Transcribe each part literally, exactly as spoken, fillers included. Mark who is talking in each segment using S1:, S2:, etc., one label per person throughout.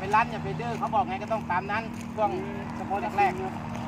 S1: ไปรั้นอย่าไปดื้อเขาบอกไงก็ต้องตามนั้นช่วงเฉพาะแรกๆ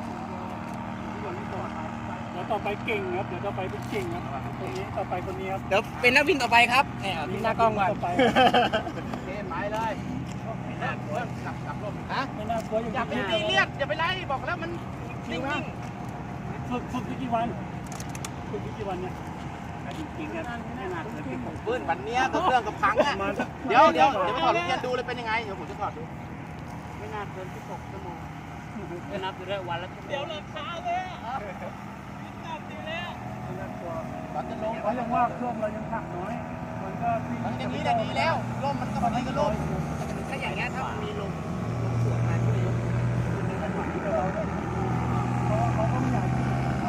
S2: เดี๋ยวต่อไปเก่งครับเดี๋ยวต่อไปเป็นเก่งครับคนนี้ต่อไปคนนี้ครับ
S3: เดี๋ยวเป็นนักบินต่อไปครับแหมบินหน้ากล้องก่อน
S2: ต่อไป
S1: เกมหมายเลยเรื่องกลับกลับลมฮะ
S2: ไม่น่ากลัว
S1: อย่าไปตีเลียดอย่าไปไล่บอกแล้วมันนิ่ง
S2: ฝึกฝึกไปกี่วันฝึกไปกี่วันเนี่ยจริงๆครับไม่น่าเกินที่ผม
S1: ๆปืนวันเนี้ยก็เครื่องกับพังอ่ะเดี๋ยวเดี๋ยวเดี๋ยวถอดลูกเรียนดูเลยเป็นยังไงเดี๋ยวผมจะถอดดู
S2: ไม่น่าเกินที่หกชั่วโมง
S3: จะนับอยู่ด้วยวันละเดี๋ยวราคาเลยอ่ะนับดีแล้ว
S2: ไม่น่ากลัว
S1: ตอนจะลง
S2: เขายังว่าเครื่องเรายังหักน้อยมันก็
S1: มันอย่างนี้อย่างนี้แล้วร่มมันก็พอดีกับร่ม
S3: ถ้าอย่างเงี้ยถ้ามันมีลมลมสวนมาที่จะยกคุณนึกกันหน่อย
S2: เราเขาเขาก็ไม่อยาก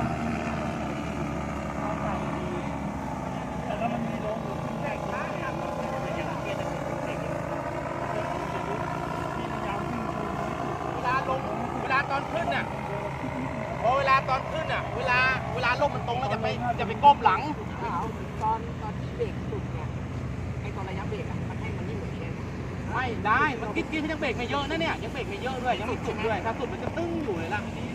S2: แต่ถ้ามันมีลมหรือขึ้นได้ขึ้นได้เราจะยังเกียร์จะเป็นเด็กพยายามขึ้น
S1: เวลาลงเวลาตอนขึ้นน่ะพอเวลาตอนขึ้นน่ะเวลาเวลาร่มมันตรงแล้วจะไปจะไปก้มหลัง
S3: ตอนตอนที่เบรกสุดเนี่ยไอตอนระยะเบรกอ่ะมันให้มันนิ่งเหมือนเดิม
S1: ไม่ได้มันกิ๊ดกิ๊ดยังเบรกไม่เยอะนะเนี่ยยังเบรกไม่เยอะด้วยยังไม่สุดด้วยถ้าสุดมันจะตึ้งอยู่เลยล่ะ
S3: นี่